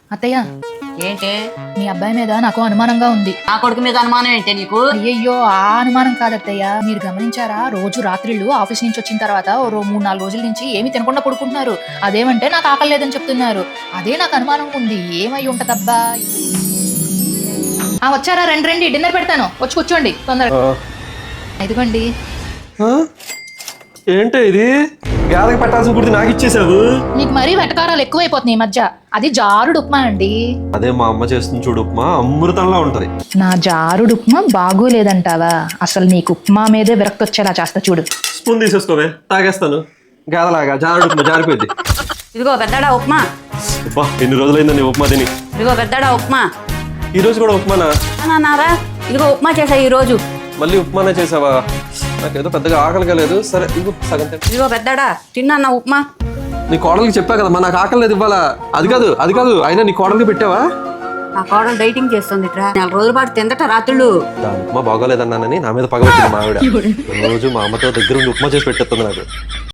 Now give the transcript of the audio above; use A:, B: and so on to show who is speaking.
A: అత్తయ్య,
B: ఏంటి
A: మీ అబ్బాయి మీద నాకు అనుమానంగా ఉంది.
B: నా కొడుకు మీద అనుమానం ఏంటి నీకు?
A: అయ్యయ్యో, ఆ అనుమానం కాదత్తయ్య. మీరు గమనించారా, రోజు రాత్రిళ్ళు ఆఫీస్ నుంచి వచ్చిన తర్వాత 3-4 రోజుల నుంచి ఏమి తినకుండా పడుకుంటున్నారు. అదేమంటే నాకు ఆకలి లేదని చెప్తున్నారు. అదే నాకు అనుమానం ఉంది. ఏమై ఉంటదబ్బా? వచ్చారా? రండి, డిన్నర్ పెడతాను, వచ్చి కూర్చోండి తొందరగా. ఇదిగోండి.
C: ఏంటి ఇది? గాదకి పట్టాల్సిన గుర్తు నాకు ఇచ్చేసావు.
A: నీకు మరీ వెటకారాలు ఎక్కువైపోతున్నాయి ఈ మధ్య. అది జారుడు ఉప్మా అండి.
C: అదే మా అమ్మ చేస్తుంది చూడు, ఉప్మా అమృతంలా ఉంటది.
A: నా జారుడు ఉప్మా బాగోలేదంటావా? అసలు నీకు ఉప్మా మీదే విరక్తి వచ్చేలా చేస్తా చూడు.
C: స్పూన్ తీసేసుకోవే, తాగేస్తాను. గాదలాగా జారుడు ఉప్మా జారిపోయింది.
B: ఇదిగో పెద్దడా ఉప్మా.
C: ఉప్మా ఎన్ని రోజులైందండి ఉప్మా తిని.
B: ఇదిగో పెద్దడా ఉప్మా.
C: ఈ రోజు కూడా ఉప్మానా?
B: నారా ఇదిగో ఉప్మా చేసా ఈ రోజు.
C: మళ్ళీ ఉప్మానే చేసావా? నాకేదో పెద్దగా ఆకలిగా లేదు. సరే ఇదిగో సగం తింటా.
B: ఇదిగో పెద్దడా తిన్నా ఉప్మా.
C: నీ కోడలికి చెప్పా కదమ్మా నాకు ఆకలి లేదు ఇవ్వాలా. అది కాదు అయినా నీ కోడలికి పెట్టావా?
B: నా కోడలు డైటింగ్ చేస్తుంది 4 రోజుల పాటు తిందట రాత్రులు.
C: దాని ఉప్మా బాగోలేదన్నానని నా మీద పగబెట్టింది మా ఆవిడ. రోజు మా అమ్మతో దగ్గర ఉండి ఉప్మా చేసి పెట్టేస్తుంది నాకు.